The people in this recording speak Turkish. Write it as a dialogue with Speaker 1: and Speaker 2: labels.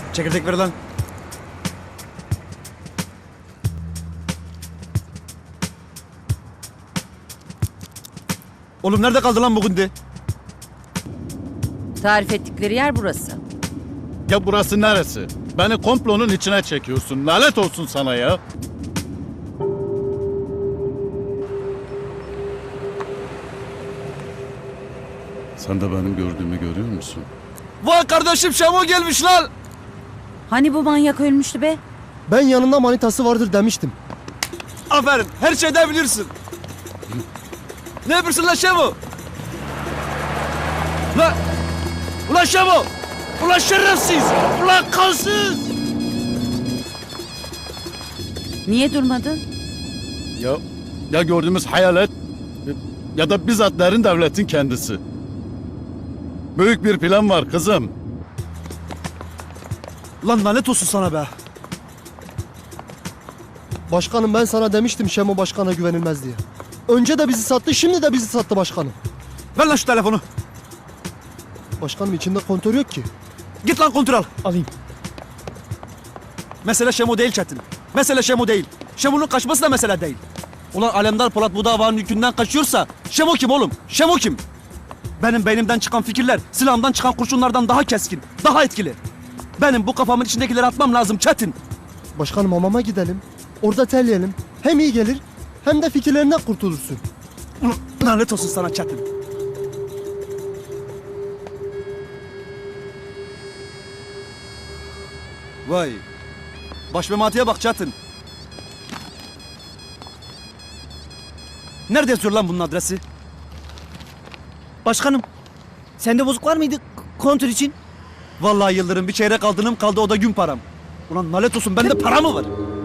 Speaker 1: Çekirdek ver lan. Oğlum nerede kaldı lan bugün de?
Speaker 2: Tarif ettikleri yer burası.
Speaker 3: Ya burası neresi? Beni komplonun içine çekiyorsun. Lanet olsun sana ya. Sen de benim gördüğümü görüyor musun?
Speaker 1: Vay kardeşim Şamo gelmiş lan.
Speaker 2: Hani bu manyak ölmüştü be?
Speaker 4: Ben yanında manitası vardır demiştim.
Speaker 1: Aferin her şeyden bilirsin. Ne yapıyorsun lan Şamo? Ulan! Ulan Şamo! Ulan şerefsiz! Ulan kansız!
Speaker 2: Niye durmadın?
Speaker 3: Ya gördüğümüz hayalet ya da bizzat derin devletin kendisi. Büyük bir plan var kızım.
Speaker 1: Lan lanet olsun sana be.
Speaker 4: Başkanım ben sana demiştim Şemo başkana güvenilmez diye. Önce de bizi sattı, şimdi de bizi sattı başkanım.
Speaker 1: Ver lan şu telefonu.
Speaker 4: Başkanım içinde kontör yok ki.
Speaker 1: Git lan kontrol.
Speaker 4: Alayım.
Speaker 1: Mesele Şemo değil Çetin. Mesele Şemo değil. Şemo'nun kaçması da mesele değil. Ulan Alemdar Polat bu davanın yükünden kaçıyorsa Şemo kim oğlum? Şemo kim? Benim beynimden çıkan fikirler silahımdan çıkan kurşunlardan daha keskin, daha etkili. Benim bu kafamın içindekileri atmam lazım Çetin.
Speaker 4: Başkanım hamama gidelim. Orada terleyelim. Hem iyi gelir hem de fikirlerinden kurtulursun.
Speaker 1: Ulan lanet olsun sana Çetin. Vay. Baş mematiye bak Çetin. Nerede yazıyor lan bunun adresi?
Speaker 5: Başkanım, sende bozuk var mıydı kontör için?
Speaker 1: Vallahi Yıldırım bir çeyrek aldınım kaldı o da gün param. Ulan lanet olsun bende para mı var?